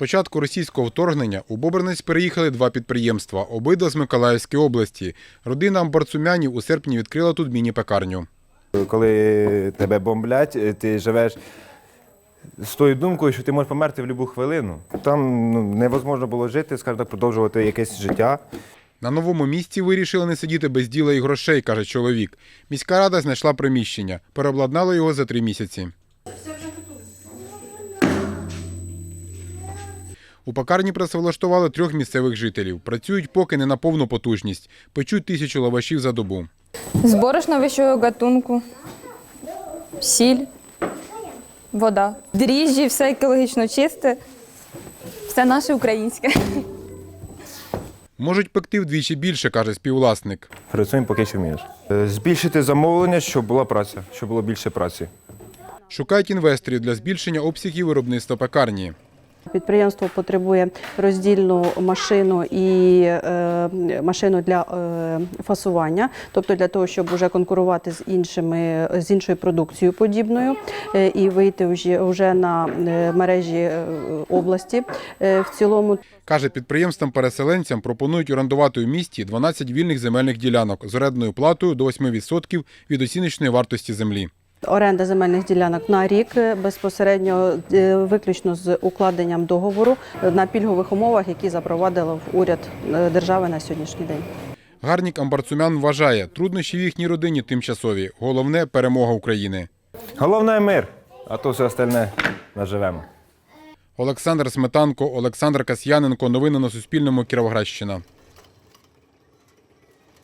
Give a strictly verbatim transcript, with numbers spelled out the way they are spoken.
початку російського вторгнення у Бобринець переїхали два підприємства, обидва з Миколаївської області. Родина Амбарцумянів у серпні відкрила тут міні-пекарню. Коли тебе бомблять, ти живеш з тою думкою, що ти можеш померти в будь-яку хвилину. Там ну, невозможно було жити, скажімо так, продовжувати якесь життя. На новому місці вирішили не сидіти без діла і грошей, каже чоловік. Міська рада знайшла приміщення, переобладнала його за три місяці. У пекарні працевлаштували трьох місцевих жителів. Працюють поки не на повну потужність. Печуть тисячу лавашів за добу. З борошна вищого гатунку, сіль, вода. Дріжджі, все екологічно чисте, все наше українське. Можуть пекти вдвічі більше, каже співвласник. Працюємо поки що вмієш. Збільшити замовлення, щоб була праця, щоб було більше праці. Шукають інвесторів для збільшення обсягів виробництва пекарні. Підприємство потребує роздільну машину і е, машину для е, фасування, тобто для того, щоб вже конкурувати з іншими з іншою продукцією подібною е, і вийти вже, вже на мережі е, області е, в цілому. Каже, підприємствам-переселенцям пропонують орендувати у місті дванадцять вільних земельних ділянок з орендною платою до восьми відсотків від оціночної вартості землі. Оренда земельних ділянок на рік, безпосередньо виключно з укладенням договору на пільгових умовах, які запровадив уряд держави на сьогоднішній день. Гарнік Амбарцумян вважає, труднощі в їхній родині тимчасові. Головне – перемога України. Головне – мир, а то все остальне наживемо. Олександр Сметанко, Олександр Касьяненко. Новини на Суспільному. Кіровоградщина.